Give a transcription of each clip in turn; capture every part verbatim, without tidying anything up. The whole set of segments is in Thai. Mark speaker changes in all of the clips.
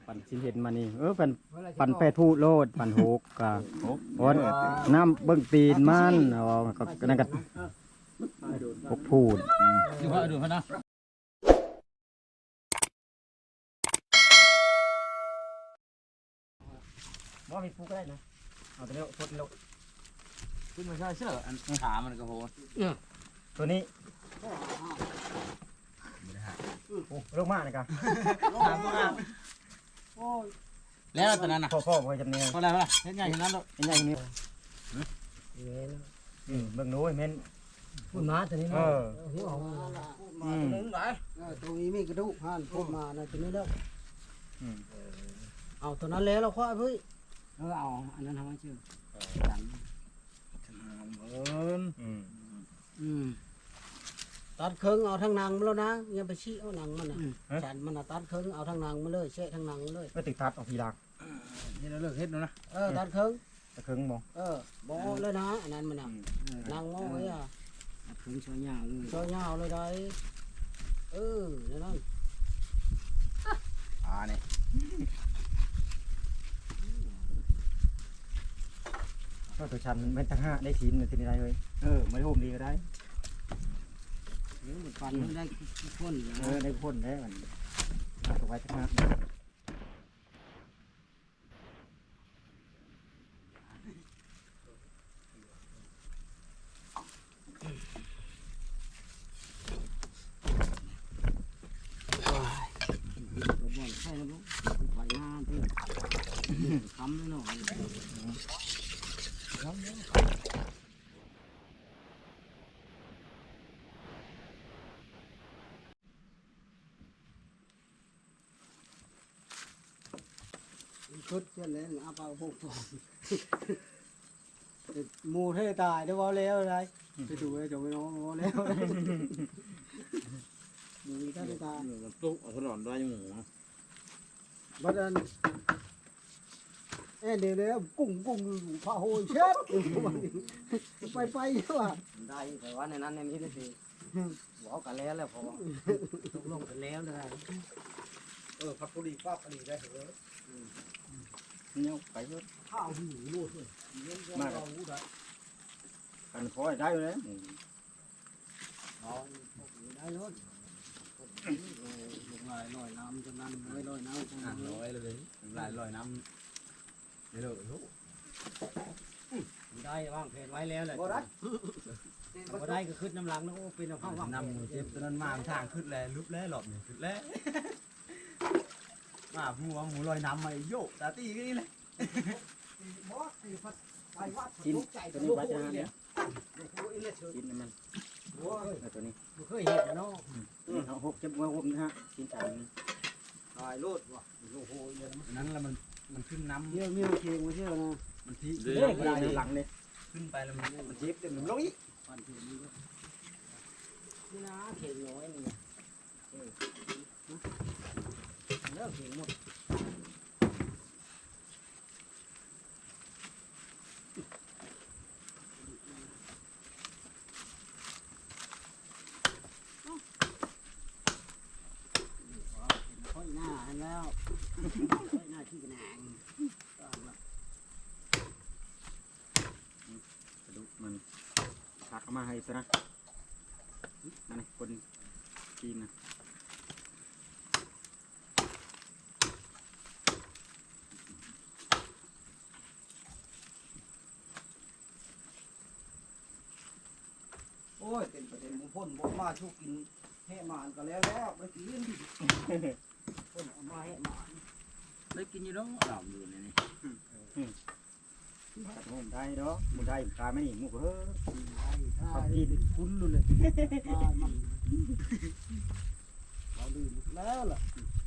Speaker 1: ปั่นสิเห็นมานี่เออปั่นปั่นแปดผู้โลดปั่นหกกะโอ้น้ำเบิ่งตีนมันอ๋อก็นั่นก็หกพูด
Speaker 2: อยู่ว่าดูพนะ
Speaker 1: บ่มีผู้ก็ได้นะเอาตัวนี้พดลง
Speaker 2: ขึ้นมาใช่เชื่ออันขามันก็โหด
Speaker 1: ตัวนี้โอ้ลงมาเลยกัน
Speaker 2: แล้วตอนนั้นน่ะ
Speaker 1: พ่อพ่อพ่อจำเนียง
Speaker 2: พอแล้วพอแล้วเห็นใหญ่ขนาดนั้นหรอ
Speaker 1: เห็นใหญ่นี้อืมเบิ่งนู้นเม่น
Speaker 3: พูดมาตัวนี้เนาะหัวออกมา
Speaker 1: ตัว
Speaker 3: นึงไหนตรงนี้มีกระดูกห่านพูดมานะตัวนี้แล้วเอาตัวนั้นแล้วเราคว้าเฮ้ยเออเอาอันนั้นทำให้ชื่อจันเอิญอืมตัดเครื่องเอาทั้งนางมาแล้วนะอย่าไปชี้เอาหนังมันนะฉันมันนะตัดเครื่องเอาทั้งนางมาเลยเชะทั้งนางมาเลย
Speaker 1: ไม่ติดทัดออกทีหลัง
Speaker 2: นี่เราเลิกเฮ็ดแล้วนะ
Speaker 3: เออตัดเครื่อง
Speaker 1: ตัดเครื่องมอง
Speaker 3: เออบ่เลยนะอันนั้นมันน่ะนางมองไว้อ่ะตัดเครื่องช่วยยาวเลยช่วยยาวเลยได้เออนั่นนั่น
Speaker 2: อ่านี่
Speaker 1: ก็ตัวชันมันเป็นตั้งห้าได้ชิ้นทีนี้ได้เลยเออไม่โฮมดีก็ได้
Speaker 3: เออฟันมันได้พ่น
Speaker 1: เออได้พ่นได้มันเอาไว้ทั้งห้า
Speaker 3: ใช่แล้วไปหน้าที่ทำเลยเนาะชุดเช่นนี้อาปาพวกฟองมูเทตายได้ว่าแล้วอะไรไปดูไปจบไปน้องว่าแล้วมูเทตาย
Speaker 2: ตุ๊กเอาถนนด้วยยังหมู
Speaker 3: บัดนั้นเอ้เดี๋ยวเดี๋ยวกุ้งกุ้งพาโหยเช็ดไปไปใช่ป่ะได้แต่ว่าในนั้นในนี้ได้สิบอกกันแล้วแล้วพอตกลงกันแล้วเลย
Speaker 2: เออพักพอดีป้าพอดีได้เหรอ
Speaker 1: เนี่ยไปเยอะ
Speaker 3: ข้าวหิวรูดเลยมาก
Speaker 1: กันคอยได้เลย
Speaker 3: ได้เลยลงลายลอยน้ำจำนั้นไม่ลอยน้ำ
Speaker 2: อ่านลอยเลยลายลอยน้ำเดี๋ยวลูก
Speaker 3: ได้วางแผนไว้แล้วแหละบ่ได้บ่ได้ก็ขึ้นน้ำหลังแล้วเป็นเอาเข้าว่าง
Speaker 2: น้ำมือเจ็บตอนนั้นมาทางขึ้นแล้วลุบแล้วหลบเนี่ยขึ้นแล้วมาหัวหมูลอยน้ำมาโยกตาตีก็นี่เลย
Speaker 1: กินตัวนี้วัดนะเนี่ยกินมันตัวนี้
Speaker 3: เคยเห็นเนาะ
Speaker 1: เอาหกจะมาหกนะฮะกินจาน
Speaker 3: ตายโลดว่ะโอ้โห
Speaker 2: นั้นแล้วมันมันขึ้นน้ำ
Speaker 3: เยอะเมียวเคียงมาเที่ยวนะ
Speaker 2: มันที่
Speaker 1: เรื่อยหลังเลย
Speaker 2: ขึ้นไปแล้วมันมันเจ็บเต็มมันลงอีก
Speaker 3: ฟันถึงนี่นี่นะเข่งน้อยนี่แล้วเข่งหมดค่อยหน้าแล้วค่อยหน้าที่กระแหง
Speaker 1: ดูมันตักมาให้ซะนะนั่นคนกินนะ
Speaker 3: โอ้ยเต็มประเด็นมุพ่นบอกมาชุกกินแห่หมานก็แล้วแล้วไปกินพ่นเอามาแห่หมาน
Speaker 2: ได้กินอยู่แล้วดอกอยู่ในนี้
Speaker 1: ตัดหมได้เนาะมุได้ตาไม่หนีมุกเฮ้อ
Speaker 3: เขากินคุ้นเลยมามันเราลืมแล้วล่ะ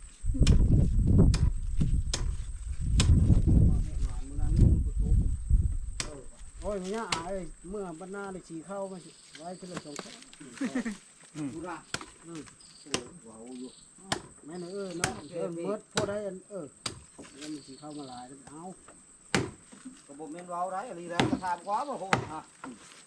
Speaker 3: โอ้ยมันยากไอ้เมื่อบรรณาได้ฉีเข้ามาไว้ที่เราส่งเขาดูละอืมว้าวอยู่แม่เออเนาะเออเมื่อพอได้เออแล้วมันฉีเข้ามาหลายเอากระบอกเมนว้าวได้อะไรได้กระทำquá mà hồ à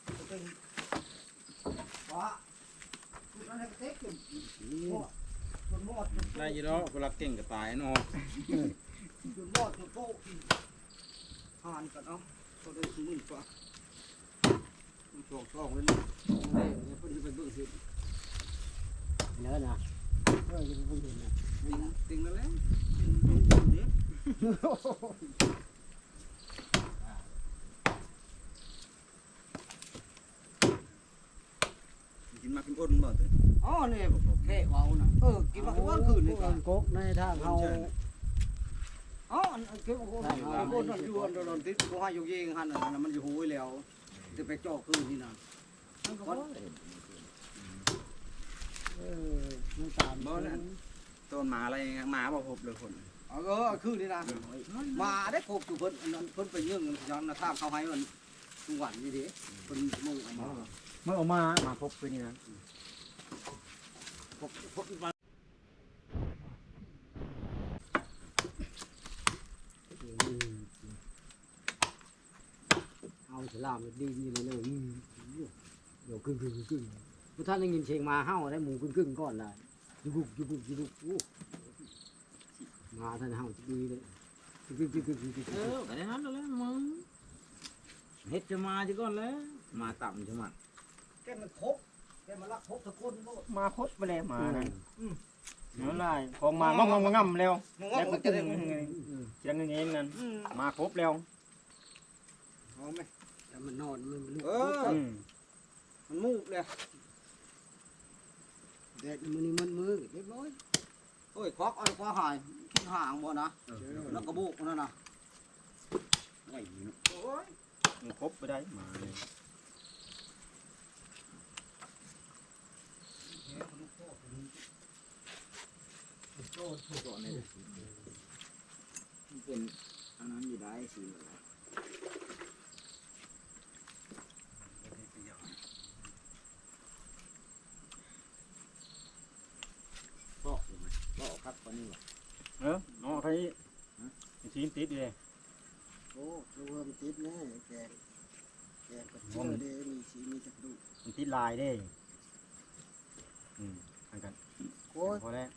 Speaker 3: quá
Speaker 1: นี่
Speaker 3: จนหมด
Speaker 2: ได้อยี่แล้วคนรักเก่งก็ตายเนาะ
Speaker 3: จนหมดจนโต๊ะผ่านกันเนาะก็ได้ซื้ออีกว่ามันสองสองเลยนี่เนี่ยเพิ่นจะไปเบิ่งสิเนื้อนะเออจะไปเบิ่งเห็นนะ
Speaker 2: ติงติงแล้วแหละกินมากินอ้นบ่เตย
Speaker 3: อ๋อเนี่ยแค่เอาน่ะเออกินมาทุกวันคืนนี่ก็กกในทางเฮาอ๋อเก็บโอ้โหโอ้โหอยู่อันโดนติดกูให้อยู่ยิงหันน่ะมันอยู่หูยแล้วจะไปจ่อคืนนี่น่ะมันก็เออมันตาม
Speaker 2: บ่นั่นต้นหมาอะไรหมาบ่พบเลยคน
Speaker 3: เออคือนี่นะมาได้ครบอยู่เพิ่นอันนั้นเพิ่นไปยื่นย้อนนะทราบเขาให้มันทุกวันนี่ดิเพิ่นมุ่งเอามา
Speaker 1: เมื่อออกมามาพบคือนี่นะ
Speaker 3: พบพบมาเอาฉลามดีนี่เลยเลยเดี๋ยวกึ่งกึ่งกึ่งพวกท่านได้ยินเสียงมาเห่าได้หมูกึ่งกึ่งก่อนเลยยุบุกยุบุกยุบุกโอ้มาท่านเห่าดีเลยกึ่งกึ่งกึ่งกึ่งกึ่ง
Speaker 2: เออก็ได้นั้นแล้วมึงเฮ็ดจะมาจะก่อนแล้วมาต่ำจะมา
Speaker 3: แกมันคบแกมันรักคบตะโกนโลด
Speaker 1: มาพบไปแล้วมานั่นเนื้อลายของมางอมงอมแล้ว
Speaker 3: มึง
Speaker 1: แล้ว
Speaker 3: ว่า
Speaker 1: ก็
Speaker 3: มัน
Speaker 1: ตึ
Speaker 3: จะ
Speaker 1: ง
Speaker 3: ได้
Speaker 1: เสียงเงี้ยนั่นมาครบแล้ว
Speaker 3: เอาไหมแต่มันนอนมันลุก
Speaker 2: เออ
Speaker 1: อืม
Speaker 2: มันมูกเลย
Speaker 3: แดดมันนี่มันมือเรียบร้อยโอ้ยควักเอาคว้าหายขึ้นห่างบ่นะแล้วกระบุกนั่นน่ะ
Speaker 2: ไอ้เนาะ
Speaker 3: โอ้ย
Speaker 1: มันครบไปได้มาเลย
Speaker 2: ก่อนเลยมันเป็นอันนั้นอยู่ได้สิ
Speaker 3: บอกบอกครับตอนนี้
Speaker 1: เออน้องใครชิ้นติดเลย
Speaker 3: โอ้ตัวมันติดแน่แกแกกระเจือเดมีสีมีจักดู
Speaker 1: มันติดลายได้อืมอันกัน
Speaker 3: โอ้ย
Speaker 1: พอแล้ว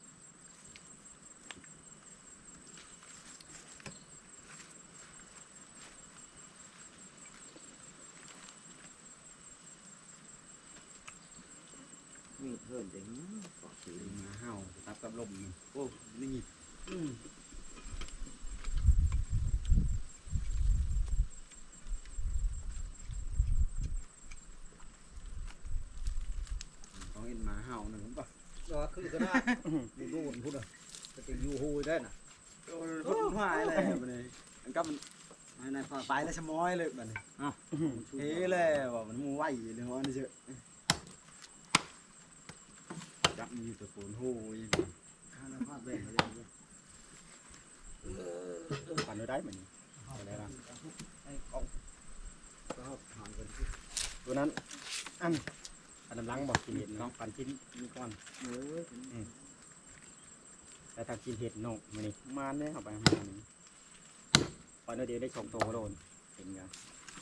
Speaker 2: มีเพิ่นเด้งก็สิมาเฮาตับกับลมโอ้นี่ต้องเห็นมาเฮาหนึ่งป่ะ
Speaker 3: ตัวคือก็ได้ดูดูพูดอ่ะจะติอยู่หูได้น่ะ
Speaker 2: โอ้ยหายเลยบัดนี้มันก็มัน
Speaker 3: นายนายฟัง
Speaker 2: ไปแล้วชะม้อยเลยบัดนี้อ้าวเฮ้เลยว่ามันมูไหวเลยว่านี่เชื่อจับมีตะโกนโหย
Speaker 3: ข้าน้ำผ้าแบ่งไปเลย
Speaker 1: ปั่นได้เหมือนอะไรล่ะ
Speaker 3: ไอ้กองก็ห่างกัน
Speaker 1: ตัวนั้นอันอันน้ำลังบอกกินเห็ดน้องปั่นชิ้นนี้ก่อน
Speaker 3: เออ
Speaker 1: แต่ถ้ากินเห็ดนกมันนี่มานได้เข้าไปมันนี่ตอนเดียวได้สองตัวโดนเห็นกัน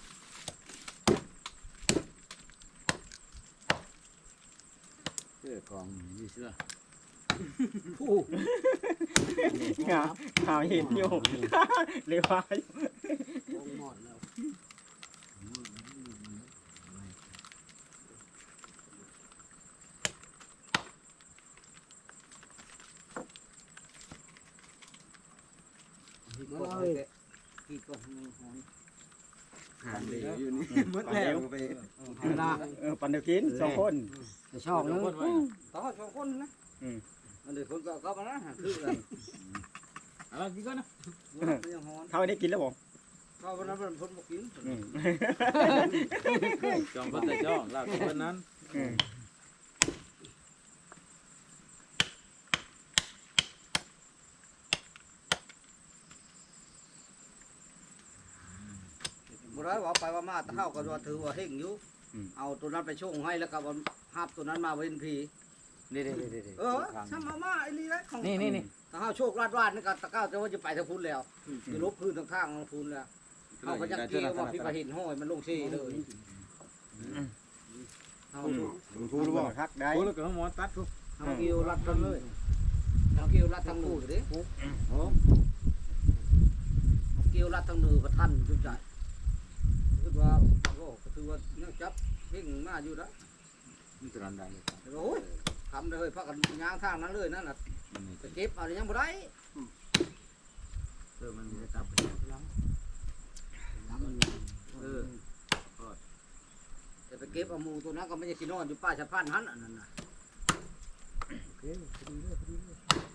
Speaker 2: เสื้อกองนี่เสื้อ
Speaker 3: ผู้
Speaker 1: งาหาเห็ดอยู่เรียกว่า
Speaker 3: กองหมดแล้วมาเลยกี่กองหอย
Speaker 2: หางเลยอยู่นี่มดแล้วไป
Speaker 3: เวลา
Speaker 1: เออปั่นเดียวกินสองคน
Speaker 3: จะชอบนึงต้องสองคนนะอันเดียวคนก็ก็มานะคือกัน
Speaker 2: เอากินก่อนนะ
Speaker 3: ยังหอน
Speaker 1: เท่านี้กินแล้วบอก
Speaker 3: ก็วันนั้นมันพ้นมากิน
Speaker 2: จองเพิ่นแต่จองลาบเพิ่นนั้น
Speaker 3: บุร้อยว่าไปว่ามาตะเข้าก็ว่าถือว่าเฮงอยู่เอาตัวนั้นไปช่วงให้แล้วก็วันหับตัวนั้นมาเว้นพี
Speaker 2: นี่ๆๆๆ
Speaker 3: เออช่างมามาไอ้นี่แหละของ
Speaker 2: นี่นี่
Speaker 3: ตะเข้าโชคลาดวาดนี่ก็ตะเข้าจะว่าจะไปทางพุ้นแล้วจะลบพื้นทางข้างทางพุ้นแล้วเขาก็จะเกี่ยวว่าพี่มาเห็นห้อยมันลงซี่เลยเอา
Speaker 1: ทูรู้บ่ทักได้
Speaker 2: โอ้แล้วก็หมอตัดทุก
Speaker 3: ฮ
Speaker 2: ทำกิวรัดทั้งเลยทำกิวรัดทั้งมือดิโอ้ทำกิวรัดทั้งมือประทันจุดใจคือว่าโอ้คือว่าเนี่ยจับเพ่งมาอยู่แล้ว
Speaker 4: มันจะรันได้เลยครับ
Speaker 2: โอ้ยทำเลยพักกันยางทางนั้นเลยนั่นน่ะ
Speaker 4: มันนี่
Speaker 2: จะเก็บอะไรยังบ่ได้
Speaker 4: เออมันจะจับ
Speaker 2: เออจะไปเก็บเอาหมูตัวนั้นก็ไม่ใช่สินอนอยู่ป้าชะพานหันอันนั้นน่ะ
Speaker 3: โอเคพอดีเลยพอดีเลย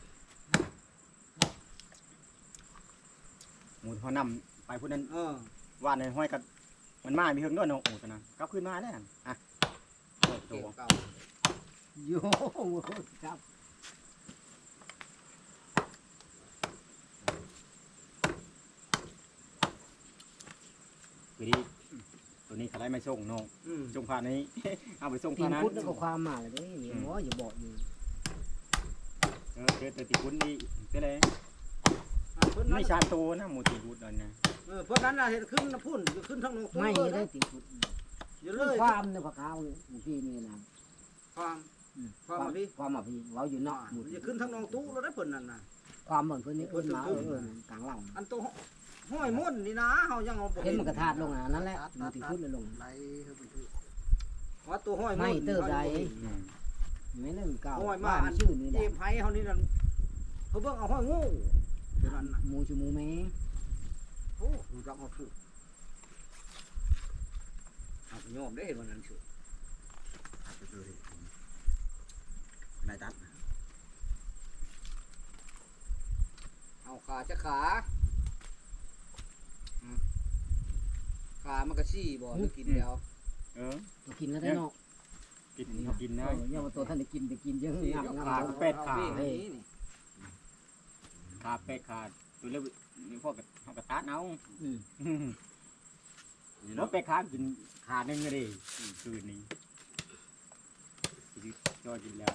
Speaker 1: หมูเขานำไปพุ่นนั้น
Speaker 2: เออ
Speaker 1: ว่านในห้อยกับมันมามีเฮิงด้วยเนาะหมูตัวนั้นกลับขึ้นมาแล้วอ่ะโอ้โห
Speaker 2: เก็บเก่า
Speaker 3: โยจับ
Speaker 1: คือดีตัวนี้เขาได้ไม่ส่งเนาะ
Speaker 2: อืม
Speaker 1: ส่งผ่านนี้ เอาไปส่ง
Speaker 3: ตี
Speaker 1: ผ่าน
Speaker 3: น
Speaker 1: นั้น
Speaker 3: พุทธแล้วก็ความมาเลยนี่หมออย่าบอกอยู่
Speaker 1: เออเจอแต่ตีคุ้นดีเป็นไร
Speaker 2: อ่ะเพิ่นนั้น
Speaker 1: ไม่ชานตัวนะหมูตีบุดนั่นนะ
Speaker 2: เออเพิ่นนั้นน่ะเห็นขึ้นน้ำพุ่นขึ้นทั้งลง
Speaker 3: ไม่
Speaker 2: เลย
Speaker 3: ได้
Speaker 2: นะ
Speaker 3: ตีนพุทธ
Speaker 2: อยู่เล
Speaker 3: เรื่อง
Speaker 2: ย
Speaker 3: ความในพระขาวพี่นี่นะ
Speaker 2: ความ
Speaker 3: ความมาพี่ความมาพี่เราอยู่นอกหมู่
Speaker 2: จะขึ้นทั้งนองตู้แล้วได้เพิ่นนั่นน่ะ
Speaker 3: ความเหมือนเพื่อนนี่เพื่อนมาเออกลางหลัง
Speaker 2: อันตัวห้อยม่วนนี่นะเฮายังเอาบ่
Speaker 3: เห็นมันกระทาดลงอ่ะนั่นแหละมันตีนพุทธเลยลง
Speaker 2: ว่าตัวห้อยม่วน
Speaker 3: ไม่เติบใด
Speaker 1: อืม
Speaker 3: ไม่เล่นเก่า
Speaker 2: ห้อยมา
Speaker 3: บ้า
Speaker 2: อั
Speaker 3: น
Speaker 2: น
Speaker 3: ชื่อนี่แห
Speaker 2: เจ็
Speaker 3: ละ
Speaker 2: บไผเฮานี่นั่นเขาเบิ่งเอาห้อยงูตัวนั้นน่ะ
Speaker 3: หมูชูหมูแม่
Speaker 2: โอ้ดูจักเอาคือเอาโยมได้เห็นวันนั้นชื่อ
Speaker 4: นายตัด
Speaker 2: เอาขาจะขาอืมขามันก็ซี่บ่ได้กินแล้ว
Speaker 1: เออ
Speaker 3: ตัวกินแล้วได้นอก
Speaker 1: กินเขากิน
Speaker 3: เอ
Speaker 1: ได้
Speaker 3: ออย่ามาตัวท่านได้กินไปกินเยอะ
Speaker 2: ซี่
Speaker 3: งับ
Speaker 2: กับ
Speaker 3: งับ
Speaker 2: ขา
Speaker 3: งับ
Speaker 1: เป็ดขา
Speaker 2: เอานี่นี่
Speaker 1: ขาเป็ดขาตัวเล็กนี่พวกกับเขากระตัดเอา
Speaker 3: อืม
Speaker 1: แล้วเป็ดขากินขาหนึ่งก็ได้คืนนี้จอกินแล้ว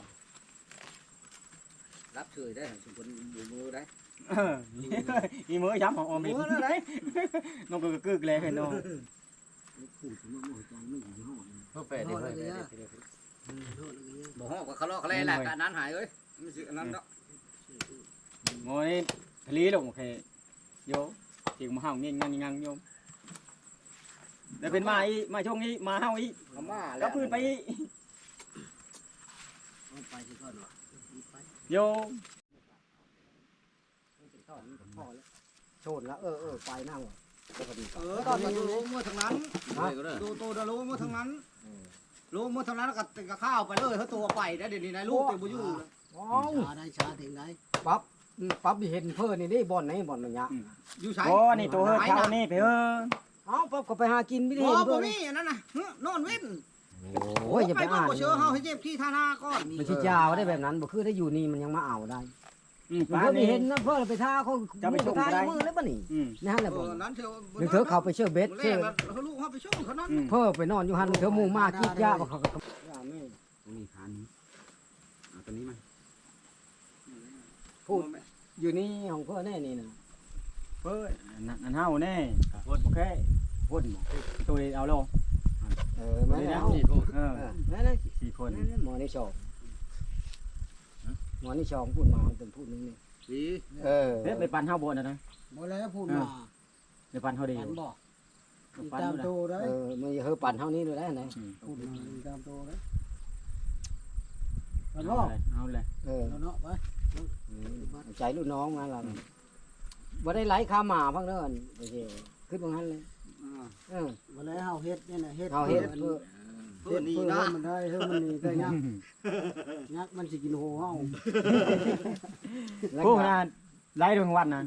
Speaker 2: รับเฉยได้สมผลอยู่มือได้
Speaker 1: เออมีมือย้ำของออมอีก
Speaker 2: มือแล้วได้
Speaker 1: น้องก็กึกเลยเห็นน้อง
Speaker 3: พูดถึงว่าหัวใจไม่อยู่ห้อง
Speaker 4: เพื่อเป็ดเลย
Speaker 2: บ่ฮอกก็เขาเลาะเขาแลแหละการนั้นหายเอ้ยมันสิอันนั้นเนาะ
Speaker 1: โง่นี่ทะเลลงโอเคโยจิงมาห้าวงี้งังงังโยมแล้วเป็นมาอีมาช่วงนี้มาห้าวอี
Speaker 2: เอามา
Speaker 1: ก็พื้นไปอี
Speaker 3: ไปที่ก่อนวะไป
Speaker 1: โย
Speaker 3: โชนแล้วเออเออไปนั่งปกติ
Speaker 2: เออตอนนี้รู้เมื่อทางนั้นดูโตดรู้เมื่อทางนั้นรู้เมื่อทางนั้นก็ก็ข้าวไปเลยเขาตัวไปได้เดี๋ยวนี้นายลูกเต็มบ่อยู่
Speaker 3: ว้าวชาได้ชาถึงไหนปั๊บปั๊บเห็นเพื่อนนี่นี่บ่อนไหนบ่อนมันยะ
Speaker 2: อยู่ใช้
Speaker 1: โอ้นี่ตัวเฮ้ยเช้านี่ไปเออ
Speaker 3: เอ้าปั๊บก็ไปหากินไม่ได้
Speaker 2: บ่
Speaker 3: เห็น
Speaker 2: บ่
Speaker 3: เพื่อน
Speaker 2: มีอันนั้นน่ะนอนเว้น
Speaker 3: โอ้ยอย่าไปอ่าน
Speaker 2: บ่เชื่อเฮาให้เจ็บที่ท่านาก่อน
Speaker 3: มันชิจาวได้แบบนั้นบ่คือได้อยู่นี่มันยังมาเอาได้
Speaker 1: อืม
Speaker 3: เพื่
Speaker 1: ป้า
Speaker 3: อน
Speaker 1: นี่
Speaker 3: เห็นนะเพื่อนไปท่าเขา
Speaker 1: จะไปส่งก็ได้
Speaker 3: มือแล้วป่ะนี่
Speaker 1: อืม
Speaker 3: นั่นแหละ
Speaker 2: เอ
Speaker 3: บ่
Speaker 2: อนั้นเชื่อ
Speaker 3: นึกเถอะเขาไปเชื่อเบ็ด
Speaker 2: แร
Speaker 3: เชื่อก
Speaker 2: แล้วเขาลูกเฮาไปช่วยเขานั้น
Speaker 1: อืม
Speaker 3: เพื่อไปนอนอยู่หันเถอะหมู่มากีดยาบ่เขาก็
Speaker 4: ตรงนี้ขานี้เอาตัวนี้มา
Speaker 3: พูดอยู่นี่ของเพื่อนแน่นี่นะ
Speaker 1: เฮ้ยนั่นนั่นเฮาแน่พูดโอเคพูดตัวเอาลง
Speaker 3: เออแม่นแล้ว
Speaker 1: เออ
Speaker 3: เออแม่นแล้ว
Speaker 1: สี่คน
Speaker 3: หมอนี่ชองหมอนี่ชองพูดมาเป็นพูดนึงนี่
Speaker 4: สี
Speaker 3: เออ
Speaker 1: เฮ้ยไปปั่นเฮาบ่นะนะ
Speaker 3: บ่แล้วพูดมา
Speaker 1: ไปปั่นเฮาดี
Speaker 3: ปันบอก
Speaker 1: ปั่น
Speaker 3: ตาม
Speaker 1: ดู
Speaker 3: โตได้เออมันเฮอปั่นเท่านี้เลยได้ไหน
Speaker 1: อืม
Speaker 3: พูดมาตามโตได้ปัน
Speaker 1: เอา
Speaker 3: บอก
Speaker 1: เลยเอาเลย
Speaker 3: เออเนาะไปใจลูกน้องมาล่ะบ่ได้ไหลขาหมาพังเด้อโอเคขึ้นตรงนั้นเลยเออ
Speaker 5: วันนี้เฮาเฮ็ดนี่นะเฮ็ด
Speaker 3: เฮาเฮ็ดเพื่อ
Speaker 2: เพื่อนี่
Speaker 5: เพื่อ
Speaker 2: นะ
Speaker 5: ให้มันได้เฮ้ยมันนี่ได้ยักยักมันสิกินโหเฮา
Speaker 1: พวกนั้นไล่ดวงวันนะ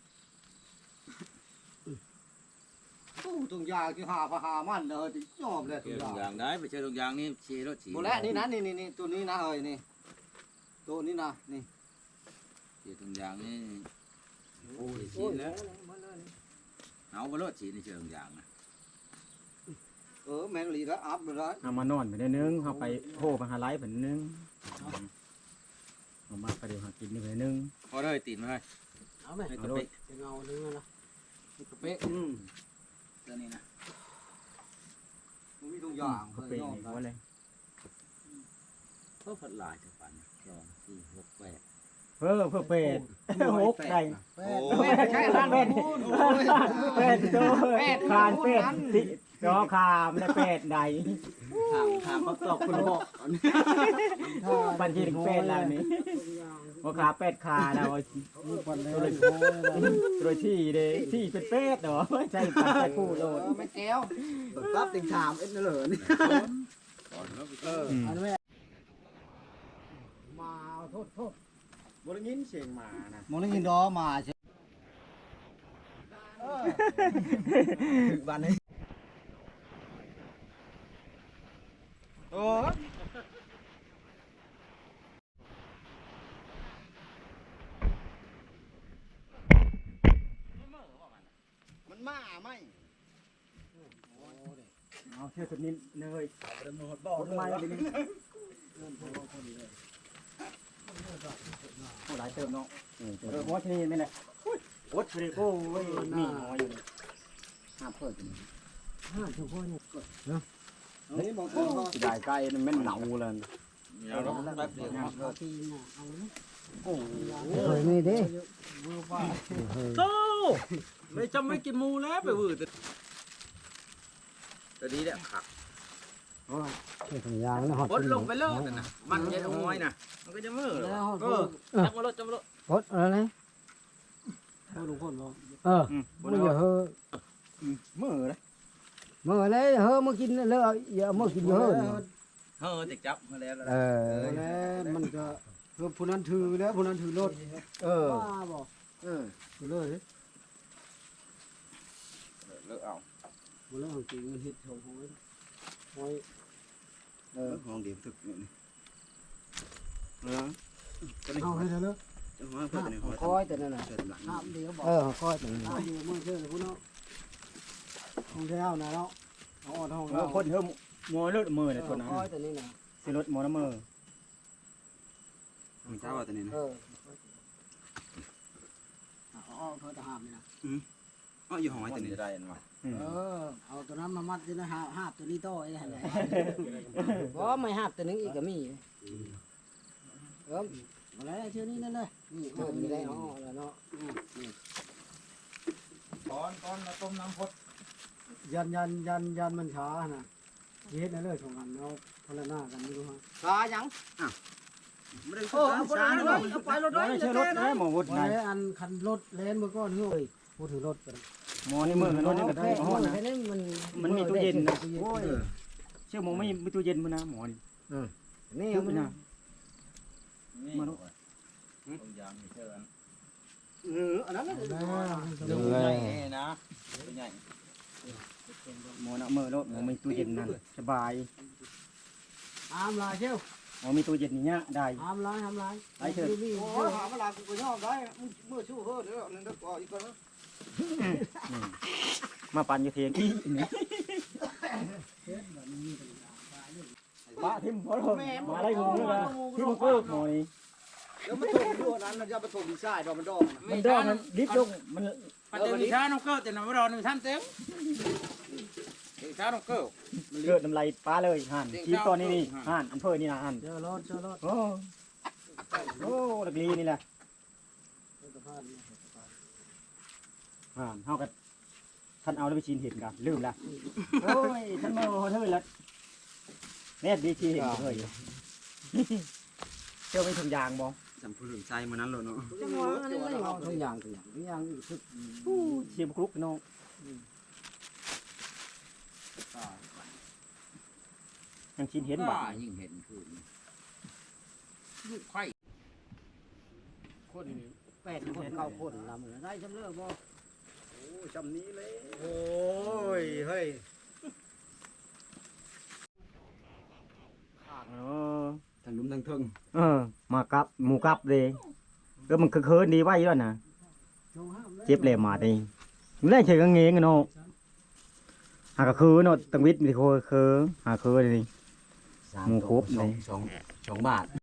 Speaker 2: โอ้ตรงยาคือหาพาหามันเลยที่ยอมเลยตร
Speaker 4: เกี่ยว
Speaker 2: ง
Speaker 4: ตรงยาย
Speaker 2: าง
Speaker 4: ได้ไปเจอตรงยางนี่ชีรถฉี
Speaker 2: โบแล้วนี่นะนี่นี่นี่ตัวนี้นะเฮ้ยนี่ตัวนี้นะนี่
Speaker 4: เกี่ยวตรงยางนี่โอ้ยฉี
Speaker 2: โอ้ย
Speaker 4: แล้วเอาไปรถฉีนี่เจอตรงยางนะ
Speaker 2: เออแมงลีแล้วอัพเลย
Speaker 1: เอามานอนไปได้นึงเขาไปโหไปหาไล่ไปนึงเอามาไปเดี๋ยวหากินนี่ไปนึง
Speaker 4: พอได้ตีนมาให้
Speaker 5: เอาไหม
Speaker 4: ให้กระเป๊ะ
Speaker 5: จะเงานึงนะ
Speaker 2: กระเป๊ะอืม
Speaker 4: ตัวนี้นะ
Speaker 2: มันมีตรงยาง
Speaker 1: เขาเป็นอย่างนี้ว่าเลย
Speaker 4: ก็ผัดลายจะปันแข
Speaker 1: เพิ่มเพิ่มเป็ดหกได้
Speaker 3: แปด
Speaker 2: แม่ใช่ร้านเป็ด
Speaker 1: เป็ดตัวคานเป็ดที่จอคามและเป็ดใด
Speaker 5: ถามถามคำตอบคุณพ่อ
Speaker 1: บัญชีถึงเป็ดแล้วนี่ว่าขาเป็ดขาเรา
Speaker 3: มีปันเลย
Speaker 1: โดยที่เด้ที่เป็นเป็ดเหรอไม่ใช่ปันไปพูดโลด
Speaker 2: ไม่แก้ว
Speaker 5: รับติงถามเอ็ดนั่นเหรอนี่
Speaker 3: อันแม่
Speaker 1: มาโทษโทษบริงินเสียงหมานะ
Speaker 5: มองได้ยินดอมาใช่ถึงวันนี้
Speaker 1: โอ้มันมาไหมเอาเชื่อสุดนี้เนยบอกทำไมเลยนี่โอ้หลายเติมเนาะเออเพราะว่าที่นี่ไม่แหละโอ๊ตเลยโอ้ยมีหอยอยู่ห้าเพิ่ม
Speaker 3: ห้าทุกคน
Speaker 5: นี่มองตัวก็
Speaker 1: ได้ใกล้มันไม่หนาวเลย
Speaker 4: เอาแล้วแป๊บเดียว
Speaker 3: ทีน่ะเอาเลย
Speaker 1: โอ้
Speaker 3: เฮ้ยนี่ดิ
Speaker 4: โตไม่จำไม่กินหมูแล้วไปวืดตอนนี้เนี่ยขัก
Speaker 3: เฮ้ยยางแล้วหอด
Speaker 4: พดลงไปเลยนะมันยันเอาไว้นะมันก็จะมือ
Speaker 3: แล้วหอด
Speaker 4: เออจับมาลดจับมาลด
Speaker 3: หดอะไรนะเฮ้ยลุงพลบอกเออมึงอย่าเฮ้อ
Speaker 1: มือเลย
Speaker 3: มื่อไรเฮ้อมากินแล้วอย่ามากินเฮ้อ
Speaker 4: เฮ้อติดจับมาแล้ว
Speaker 3: เออแล้วมันก็เพื่อผู้นั้นถือแล้วผู้นั้นถือรถ
Speaker 1: เออ
Speaker 3: บ้าบอก
Speaker 1: เออ
Speaker 3: ถือเลย
Speaker 4: เลิกเอา
Speaker 3: มันเรื่องจริงมันฮิตของหอยหอย
Speaker 1: เออห้องเดียวถึกนี่เออ
Speaker 3: เอาให้เถอะเลิก
Speaker 1: ห้องเพิ่มนี่ห้อง
Speaker 3: คอยแต่นั่นน่ะ
Speaker 1: เพิ่มหลัง
Speaker 3: ห้ามเดียวบอกเออคอยแต่นั่นห้ามเดียวเมื่อเชื่อเลยพวกน้องของเท้านะเนาะเอาออดห้อง
Speaker 1: เอ
Speaker 3: เรา
Speaker 1: อคนเพิ่มมอรถมือเนี่ยตัวนั้น
Speaker 3: คอยแต่นี่นะ
Speaker 1: สิรถมอน้ำมือ
Speaker 5: มีเจ้าตัวนี้นะ
Speaker 3: เออเอาเพื่อจะห้ามนี่นะ
Speaker 5: อ๋ออยู่ห้องไอ้ตัวนี้
Speaker 4: จะได้มา
Speaker 3: เออเอาตัวนั้นมามัดที่นะหาหาบตัวนี้โต้ไอ้นั่นแหละเพราะไม่หาบตัวนึงอีกก็มีเออมาแล้วเชื่อนี่นั่นเลยนี่เออมีได้อ๋อแล้วเนาะ
Speaker 4: ก้อนก้อนมาต้มน้ำพด
Speaker 3: ยันยันยันยันมันช้านะเฮ็ดนั่นเลยสองอันเอาพลหน้ากันไม่รู้ฮะ
Speaker 2: ตายัง
Speaker 5: ไม่ได้
Speaker 2: โอ้เอาไปเลยเอาไปรถ
Speaker 1: ไม่ใช่รถนะหมอวุฒิ
Speaker 3: ไว้
Speaker 1: นะ
Speaker 3: อันคันรถเลนเมื่อก่อนเฮ้ยพูดถึงรถกัน
Speaker 1: หมอในมือรถนี่ก็ได้หมอนะ
Speaker 3: แค่นี้มัน
Speaker 1: มันมีตู้เย็นนะ
Speaker 3: โอ้ย
Speaker 1: เชื่อหมอไม่มีตู้เย็นมั้ยนะหมอนี่
Speaker 3: นี่
Speaker 1: ชื่อ
Speaker 3: มัน
Speaker 1: นะ
Speaker 4: นี่ต้มยำมีเชิญ
Speaker 3: เอออันนั้น
Speaker 4: ดูใหญ่นะใหญ่
Speaker 1: หมอนะมือรถหมอมีตู้เย็นนั่นสบาย
Speaker 3: อามลายเชียว
Speaker 1: หมอมีตู้เย็นนี่เนี่ยได้
Speaker 3: อามลายอามลาย
Speaker 2: โอ้ยหาเวลากูก็ยอมได้มือชู้เฮ้อเดี๋ยวนั่นเดี๋ยวก่อนอีกก่อน
Speaker 1: มาปั่นอยู่เทียงอีนี่บ้าทิมหมอรถมาไล่งูเลยนะที่มันก็หมอนี่
Speaker 2: แล้วมันถูกด้วยนั้นมันจะมาถูกดีไซน์ดอกมันดอก
Speaker 1: มันดอกมันดิบลงมัน
Speaker 4: ปัจจัยช้าน้องเกิดแต่น้ำร้อนหนึ่งท่านเต็มช้าน้องเกิด
Speaker 1: เกิดน้ำลายป้าเลยห่านคีบตอนนี้นี่ห่านอันเพิ่นี่นะห่าน
Speaker 3: เจอรถเจอรถ
Speaker 1: โอ้โอ้ลักลีนี่แหละห่านเฮากับท่านเอาแล้วไปชินเห็นกันลืมละโอ้ยท่านโมเท่าละแม่ดีชีเห็นเฮ้ยเจ้าเป็นถุงยางบ่
Speaker 5: จำผู้หญิงใจมันนั้นเลยเนาะ
Speaker 3: จังหวะนี้ไม่เอาทุกอย่างทุกอย่างทุกอย่างสุด
Speaker 1: เชียบคลุกน้องยังชินเห็นบ่
Speaker 4: ยิ่งเห็นคือ
Speaker 3: คนแปดคนเก้าคนลำได้จำเลิกบ่
Speaker 1: โอ้จำนี้เลย
Speaker 2: โอ้ยเฮ้ย
Speaker 1: เออ
Speaker 5: ทางลุ้มทางทึง
Speaker 1: เออมากับหมูกับเลยก็มันคือเคินดีไว้ด้วยนะเจ็บเลยมาตีไม่ได้เฉยกังเงงเนาะหากคือเนาะตังวิทย์มีโคคือหาคือเลยหมูครบเลย
Speaker 5: สองสองบาท